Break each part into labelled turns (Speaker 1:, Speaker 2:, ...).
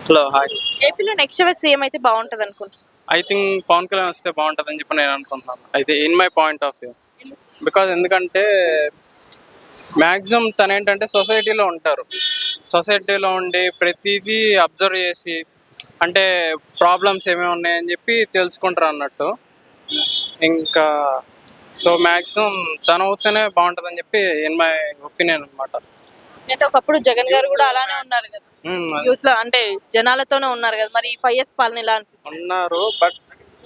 Speaker 1: Hello hi.
Speaker 2: ఏపీలో next ఎవరు CM అయితే బాగుంటది అనుకుంటున్నాను.
Speaker 1: ఐ థింక్ పవన్ కళ్యాణ్ వస్తే బాగుంటుందని చెప్పి నేను అనుకుంటున్నాను. అయితే in my point of view, because ఎందుకంటే మ్యాక్సిమం తను ఏంటంటే సొసైటీలో ఉంటారు. సొసైటీలో ఉండి ప్రతిదీ అబ్జర్వ్ చేసి అంటే ప్రాబ్లమ్స్ ఏమేమి ఉన్నాయని చెప్పి తెలుసుకుంటారు అన్నట్టు. ఇంకా సో మ్యాక్సిమం తను అవుతేనే బాగుంటుందని చెప్పి ఇన్ మై ఒపీనియన్ అనమాట.
Speaker 2: అంటే ఒకప్పుడు జగన్ గారు కూడా అలానే ఉన్నారు కదా, యూత్ లో అంటే జనాలతోనే ఉన్నారు కదా, మరి ఈ 5 years పాలన ఎలా అనిపిస్తుంది?
Speaker 1: ఉన్నారు బట్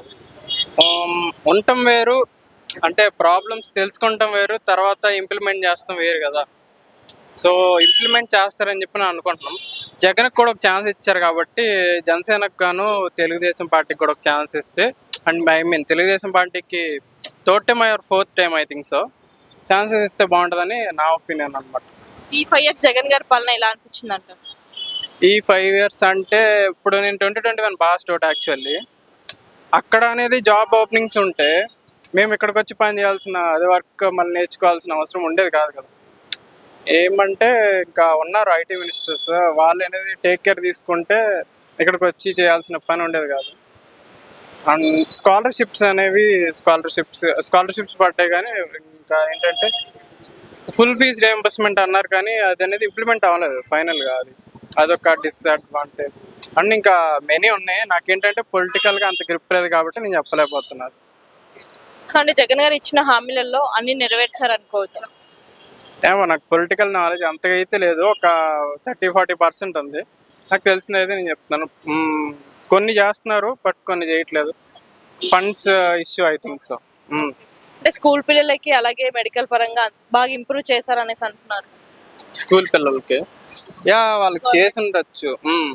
Speaker 1: ఉండటం వేరు, అంటే ప్రాబ్లమ్స్ తెలుసుకుంటాం వేరు, తర్వాత ఇంప్లిమెంట్ చేస్తాం వేరు కదా. సో ఇంప్లిమెంట్ చేస్తారని చెప్పి నేను అనుకుంటున్నాం. జగన్కి కూడా ఒక ఛాన్స్ ఇచ్చారు కాబట్టి జనసేనకు గాను తెలుగుదేశం పార్టీకి కూడా ఒక ఛాన్స్ ఇస్తే, అండ్ ఐ మీన్ తెలుగుదేశం పార్టీకి third time or fourth time I think so chances ఇస్తే బాగుంటుందని నా ఒపీనియన్ అనమాట.
Speaker 2: ఈ 5 years జగన్ గారి పాలన ఎలా అనిపించింది అంటారు?
Speaker 1: ఈ 5 years అంటే ఇప్పుడు నేను 2021 పాస్ అవుట్ యాక్చువల్లీ. అక్కడ అనేది జాబ్ ఓపెనింగ్స్ ఉంటే మేము ఇక్కడికి వచ్చి పని చేయాల్సిన అదే వర్క్ మళ్ళీ నేర్చుకోవాల్సిన అవసరం ఉండేది కాదు కదా. ఏమంటే ఇంకా ఉన్నారు ఐటీ మినిస్టర్స్, వాళ్ళు అనేది టేక్ కేర్ తీసుకుంటే ఇక్కడికి వచ్చి చేయాల్సిన పని ఉండేది కాదు. అండ్ స్కాలర్షిప్స్ పడ్డాయి, కానీ ఇంకా ఏంటంటే ఫుల్ ఫీజ్ రియంబర్స్మెంట్ అన్నారు కానీ అది అనేది ఇంప్లిమెంట్ అవ్వలేదు ఫైనల్గా. అదొక డిస్అడ్వాంటేజ్. అండ్ ఇంకా మెనీ ఉన్నాయి. నాకేంటంటే పొలిటికల్గా అంత గ్రిప్ లేదు కాబట్టి నేను చెప్పలేకపోతున్నాను.
Speaker 2: సో అంటే జగన్ గారు ఇచ్చిన హామీలలో అన్ని నెరవేర్చారు అనుకోవచ్చు.
Speaker 1: ఏమో నాకు పొలిటికల్ నాలెడ్జ్ అంతగా అయితే లేదు, ఒక 30-40% ఉంది. నాకు తెలిసినది నేను చెప్తున్నాను. కొన్ని చేస్తున్నారు బట్ కొన్ని చేయట్లేదు. Funds issue I think so.
Speaker 2: అంటే స్కూల్ పిల్లలకి అలాగే మెడికల్ పరంగా బాగా ఇంప్రూవ్ చేశారు అనేసి అంటున్నారు.
Speaker 1: స్కూల్ పిల్లలకి వాళ్ళకి చేసి ఉండొచ్చు.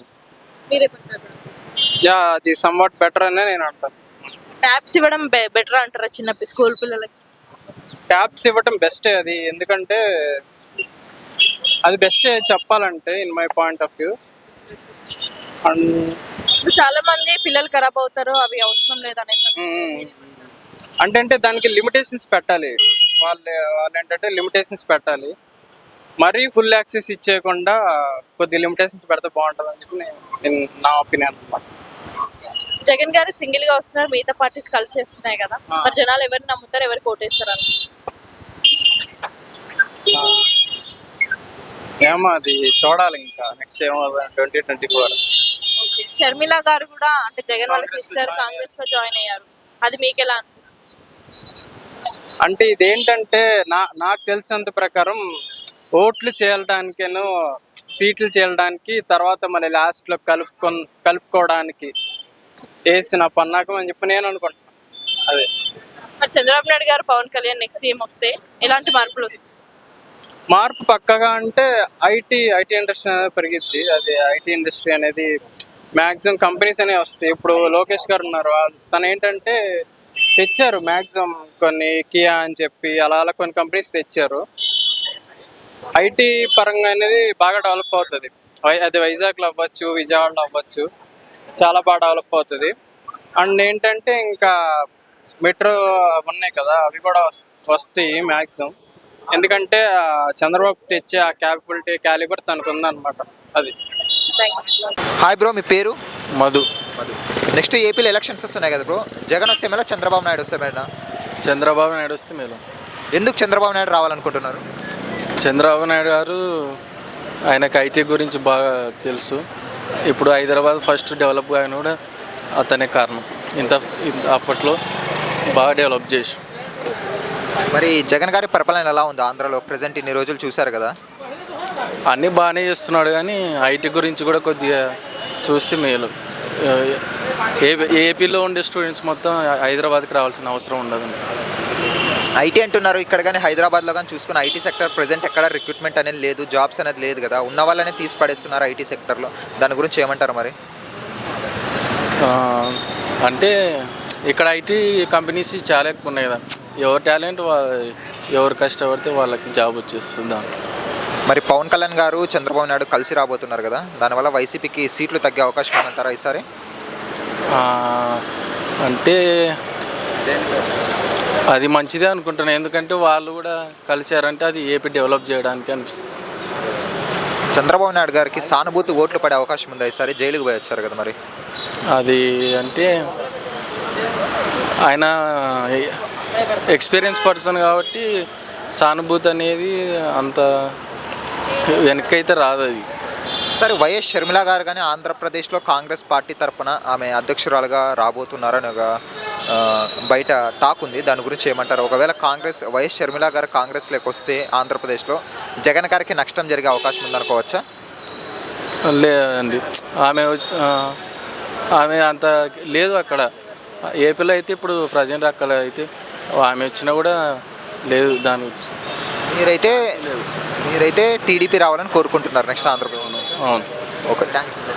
Speaker 1: యా అది సమ్వాట్ బెటర్ అనే నేను అంటాను.
Speaker 2: ట్యాబ్స్ ఇవ్వడం బెటర్ అంటారా చిన్న స్కూల్ పిల్లలకి?
Speaker 1: ట్యాబ్స్ ఇవ్వటం బెస్టే అది, ఎందుకంటే అది బెస్టే చెప్పాలంటే in my point of view. And
Speaker 2: చాలా మంది పిల్లలు ఖరాబ్ అవుతారు, అవి అవసరం లేదనేసి.
Speaker 1: అంటే దానికి లిమిటేషన్స్ పెట్టాలి. వాళ్ళు ఏంటంటే లిమిటేషన్స్ పెట్టాలి. మరీ ఫుల్ యాక్సెస్ ఇచ్చేయకుండా కొద్ది లిమిటేషన్స్ పెడితే బాగుంటుంది అని చెప్పి నా ఒపీనియన్ అనమాట.
Speaker 2: జగన్ గారు సింగిల్ గా వస్తున్నారు, మిగతా పార్టీస్ కలిసి వస్తున్నాయి కదా, మరి జనాలు ఎవరిని నమ్ముతారు, ఎవరికి ఓటేస్తారు అని?
Speaker 1: ఏమో అది చూడాలి, ఇంకా నెక్స్ట్ ఏమో 2024.
Speaker 2: షర్మిల గారు కూడా అంటే జగన్ వాళ్ళ సిస్టర్ కాంగ్రెస్ లో జాయిన్ అయ్యారు, అది మీకు ఎలా అనిపిస్తుంది?
Speaker 1: అంటే ఇదేంటంటే నాకు తెలిసినంత ప్రకారం ఓట్లు చేయడానికేను సీట్లు చేయడానికి తర్వాత మళ్ళీ లాస్ట్లో కలుపుకోవడానికి వేసిన పన్నాకం అని చెప్పి నేను అనుకుంటున్నాను. అదే
Speaker 2: మరి చంద్రబాబు నాయుడు గారు పవన్ కళ్యాణ్ నెక్స్ట్ సీఎం వస్తే ఎలాంటి మార్పులు వస్తాయి?
Speaker 1: మార్పు పక్కగా అంటే ఐటీ ఇండస్ట్రీ అనేది పెరిగిద్ది. అది ఐటీ ఇండస్ట్రీ అనేది మ్యాక్సిమం కంపెనీస్ అనేవి వస్తాయి. ఇప్పుడు లోకేష్ గారు ఉన్నారు, తను ఏంటంటే తెచ్చారు మ్యాక్సిమం కొన్ని కియా అని చెప్పి అలా కొన్ని కంపెనీస్ తెచ్చారు. ఐటీ పరంగా అనేది బాగా డెవలప్ అవుతుంది. అది వైజాగ్లో అవ్వచ్చు, విజయవాడలో అవ్వచ్చు, చాలా బాగా డెవలప్ అవుతుంది. అండ్ ఏంటంటే ఇంకా మెట్రో ఉన్నాయి కదా, అవి కూడా వస్తాయి మ్యాక్సిమం. ఎందుకంటే చంద్రబాబు తెచ్చే ఆ క్యాలిబర్ తనకు ఉందన్నమాట. అది.
Speaker 3: హాయ్ బ్రో, మీ పేరు?
Speaker 4: మధు.
Speaker 3: నెక్స్ట్ ఏపీలో ఎలక్షన్స్ వస్తున్నాయి కదా బ్రో, జగన్ వస్తే మేలా చంద్రబాబు నాయుడు వస్తే మేలా?
Speaker 4: చంద్రబాబు నాయుడు వస్తే మేలు.
Speaker 3: ఎందుకు చంద్రబాబు నాయుడు రావాలనుకుంటున్నారు?
Speaker 4: చంద్రబాబు నాయుడు గారు ఆయనకు ఐటీ గురించి బాగా తెలుసు. ఇప్పుడు హైదరాబాద్ ఫస్ట్ డెవలప్ అయిన కూడా అతనే కారణం. ఇంత అప్పట్లో బాగా డెవలప్ చేసి.
Speaker 3: మరి జగన్ గారి పరిపాలన ఎలా ఉంది ఆంధ్రాలో ప్రజెంట్? ఇన్ని రోజులు చూశారు కదా.
Speaker 4: అన్నీ బాగానే చేస్తున్నాడు, కానీ ఐటీ గురించి కూడా కొద్దిగా చూస్తే మేలు. ఏపీలో ఉండే స్టూడెంట్స్ మొత్తం హైదరాబాద్కి రావాల్సిన అవసరం ఉండదు.
Speaker 3: ఐటీ అంటున్నారు ఇక్కడ, కానీ హైదరాబాద్లో కానీ చూసుకుని ఐటీ సెక్టర్ ప్రజెంట్ ఎక్కడ రిక్రూట్మెంట్ అనేది లేదు, జాబ్స్ అనేది లేదు కదా, ఉన్న వాళ్ళనే తీసి పడేస్తున్నారు ఐటీ సెక్టర్లో. దాని గురించి ఏమంటారు మరి?
Speaker 4: అంటే ఇక్కడ ఐటీ కంపెనీస్ చాలా ఎక్కువ ఉన్నాయి కదా, ఎవరి టాలెంట్ ఎవరు కష్టపడితే వాళ్ళకి జాబ్ వచ్చేస్తుంది.
Speaker 3: మరి పవన్ కళ్యాణ్ గారు చంద్రబాబు నాయుడు కలిసి రాబోతున్నారు కదా, దానివల్ల వైసీపీకి సీట్లు తగ్గే అవకాశం ఉందంటారా ఈసారి?
Speaker 4: అంటే అది మంచిదే అనుకుంటున్నాను, ఎందుకంటే వాళ్ళు కూడా కలిశారంటే అది ఏపీ డెవలప్ చేయడానికి అనిపిస్తుంది.
Speaker 3: చంద్రబాబు నాయుడు గారికి సానుభూతి ఓట్లు పడే అవకాశం ఉందా ఈసారి? జైలుకి పోయి వచ్చారు కదా మరి.
Speaker 4: అది అంటే ఆయన ఎక్స్పీరియన్స్ పర్సన్ కాబట్టి సానుభూతి అనేది అంత వెనకైతే రాదు. అది
Speaker 3: సరే, వైఎస్ షర్మిల గారు కానీ ఆంధ్రప్రదేశ్లో కాంగ్రెస్ పార్టీ తరపున ఆమె అధ్యక్షురాలుగా రాబోతున్నారని ఒక బయట టాక్ ఉంది. దాని గురించి ఏమంటారు? ఒకవేళ వైఎస్ షర్మిల గారు కాంగ్రెస్లోకి వస్తే ఆంధ్రప్రదేశ్లో జగన్ గారికి నష్టం జరిగే అవకాశం ఉందనుకోవచ్చా?
Speaker 4: లేదండి, ఆమె అంత లేదు అక్కడ. ఏపీలో అయితే ఇప్పుడు ప్రజెంట్ అక్కడ అయితే ఆమె వచ్చినా కూడా లేదు. దాని గురించి
Speaker 3: మీరైతే టీడీపీ రావాలని కోరుకుంటున్నారు నెక్స్ట్ ఆంధ్రప్రదేశ్?
Speaker 4: అవును.
Speaker 3: Okay, thanks.